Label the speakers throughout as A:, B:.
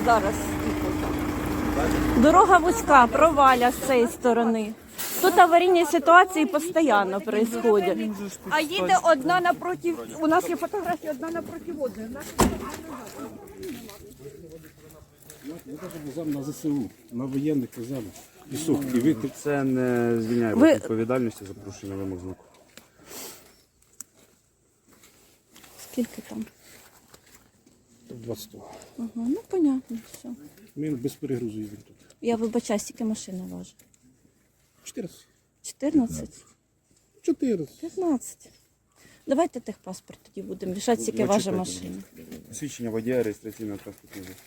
A: зараз. Дорога вузька, проваля з цієї сторони. Тут аварійні ситуації постійно відбуваються.
B: А їде одна напроти, у нас є фотографія одна напроти одної.
C: Ми кажемо на ЗСУ, на воєнних казали. Пісок і витік.
D: Це не звільняє вас від відповідальності за порушення вимог знаку.
A: Скільки там?
C: 20.
A: Ага, ну понятно, все.
C: Ми без перегрузу їздимо тут.
A: Я вибачаю, скільки машина важить?
C: 14.
A: 14?
C: 14.
A: 15. Давайте техпаспорт тоді будемо рішати, скільки важить машина.
D: Свідчення водія, реєстраційного транспортного засобу.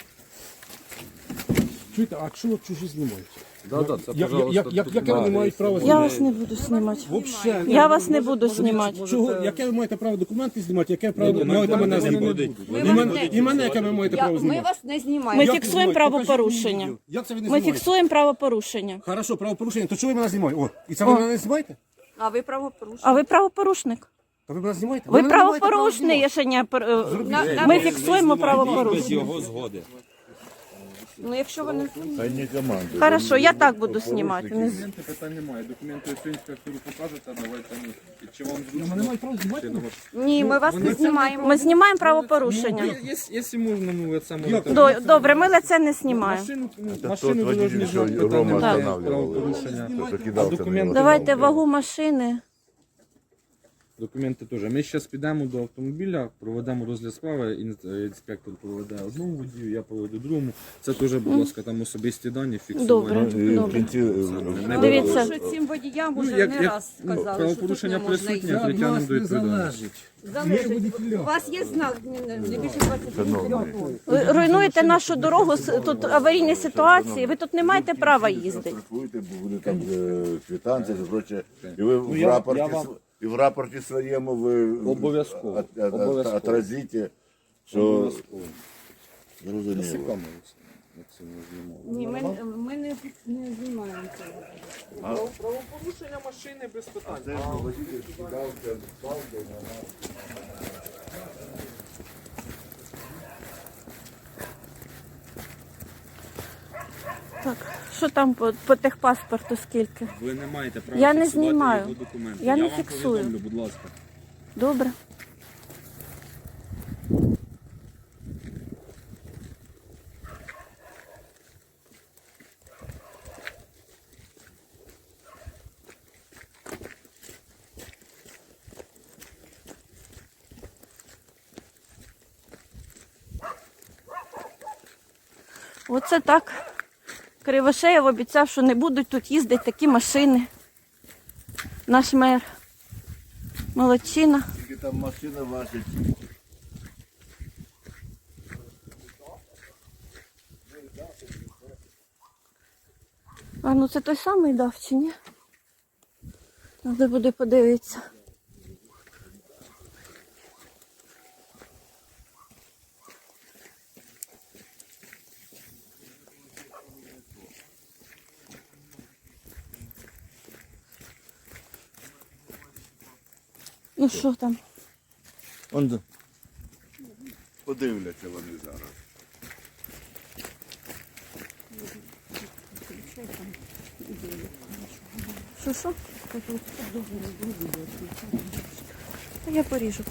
C: Чуєте, а чого чужі знімають?
D: Да, це, пожалуйста,
C: Яке вони мають право
A: Я
C: знімати?
A: вас не буду знімати.
C: Вообще,
A: Я вас не буду знімати.
C: Чого? Яке ви маєте право документи знімати, яке право маєте мене знімати? І мене яке ви маєте право
B: Ми
C: знімати?
B: вас не
A: Ми
B: знімаємо.
A: фіксуємо правопорушення.
C: Як це ви не
A: Ми
C: знімаєте?
A: фіксуємо правопорушення.
C: Хорошо, правопорушення, то чого ви мене знімаєте? О, і це ви мене не знімаєте?
B: А ви правопорушник.
A: А ви правопорушник?
C: То ви мене знімаєте?
A: Ви
C: мене не маєте права
A: правопорушний,
C: знімати.
A: рішення. Ми фіксуємо правопорушення.
E: його згоди.
B: Ну, якщо ви не
A: Хорошо, я так буду знімати.
F: Документи питань немає. Документи інспектору покажете, давайте ми. Чи вам зручно?
C: Не мають права знімати?
B: Ні, ми вас не знімаємо.
A: Ми знімаємо правопорушення.
F: Якщо можна, ну ви це можете.
A: Добре, ми лице не знімаємо.
F: Машину ви должны знати, питань немає. Правопорушення. А документи?
A: Давайте вагу машини.
F: Документи теж. Ми зараз підемо до автомобіля, проведемо розгляд справи, інспектор проведе одному водію, я проведу другому. Це теж, будь ласка, там особисті дані
A: Добре,
F: фіксовані.
A: добре.
B: Тому
A: Дивіться,
B: що цим водіям вже
F: як-
B: не
F: як,
B: раз
F: ну,
B: сказали, що тут
F: правопорушення
B: не можна
F: присутнє,
B: їхати.
F: притягнемо до відповідальності.
B: Залежить. У вас є знак не більше 20 км.
A: ви руйнуєте нашу дорогу, тут аварійні ситуації, ви тут не маєте права їздити.
G: Штрафуйте, бо буде там квитанція, коротше, і ви в рапорті своєму ви
F: Обов'язково.
G: отразите, що зрозуміло.
B: Ні, ми не знімаємо цього.
F: Правопорушення машини без питань.
A: Так, що там по техпаспорту скільки?
F: Ви не маєте права
A: Я не
F: фіксувати
A: знімаю.
F: його документи.
A: Я не
F: вам
A: фіксую.
F: повідомлю, будь ласка.
A: Добре. Оце так. Кривошеєв обіцяв, що не будуть тут їздити такі машини. Наш мер. Молодчина.
G: Тільки там машина важить.
A: А ну це той самий дав чи ні? Треба буде подивитися. Ну що там?
G: Подивляться вони зараз.
A: Що? Та я поріжу.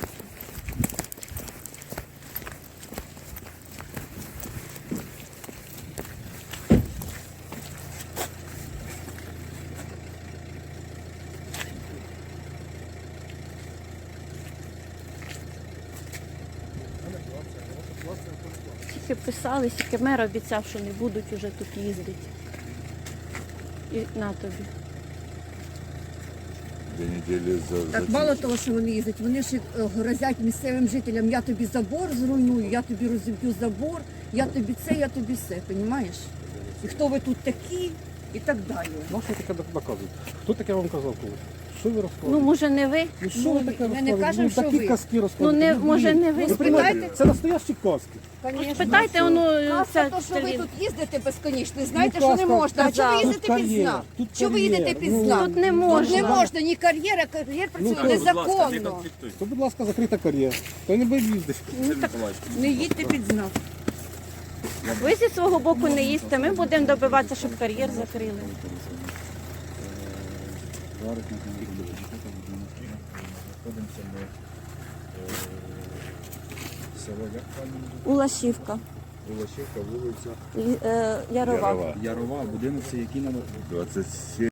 A: Тільки писали, тільки мер обіцяв, що не будуть уже тут їздити. І на тобі.
G: 2 неділі
B: Так мало того, що вони їздять, вони ж грозять місцевим жителям, я тобі забор зруйную, я тобі розіб'ю забор, я тобі це, я тобі все, розумієш? І хто ви тут такі, і так далі.
C: Ну, що таке доказують? Хто таке вам казав коли? Що ви
A: Ну,
C: розказуєте?
A: може, не ви?
C: Ну, що ви таке
B: ми не
C: розказуєте?
B: кажемо, що
C: такі
B: ви.
C: казки розказуєте.
A: Ну, може, не ви.
C: Ви
B: Спитайте.
C: Це настоящі казки.
B: Конечно.
A: Питайте, воно
B: Казка, то, що ви тут їздите безконечно, знаєте, що не
C: казка,
B: можна. А чого ви
A: тут
B: їздите під
C: кар'єр,
B: знак?
C: тут
B: Чого ви
C: кар'єр,
B: їдете під
C: ну,
B: знак?
A: Тут не
B: Тут
A: можна.
B: не можна, ні кар'єра, кар'єр працює
C: Ну,
B: незаконно.
C: То, будь ласка, закрита кар'єра. То не буде їздити.
B: Не їдьте під знак.
A: Ви зі свого боку не їсте, ми будемо добиватися, щоб кар'єр закрили.
F: Знаходимося ми село як правильно?
A: Улашівка,
F: Волошівка, вулиця
A: Ярова.
G: Ярова.
F: Ярова, будинок це який номер?
G: 27.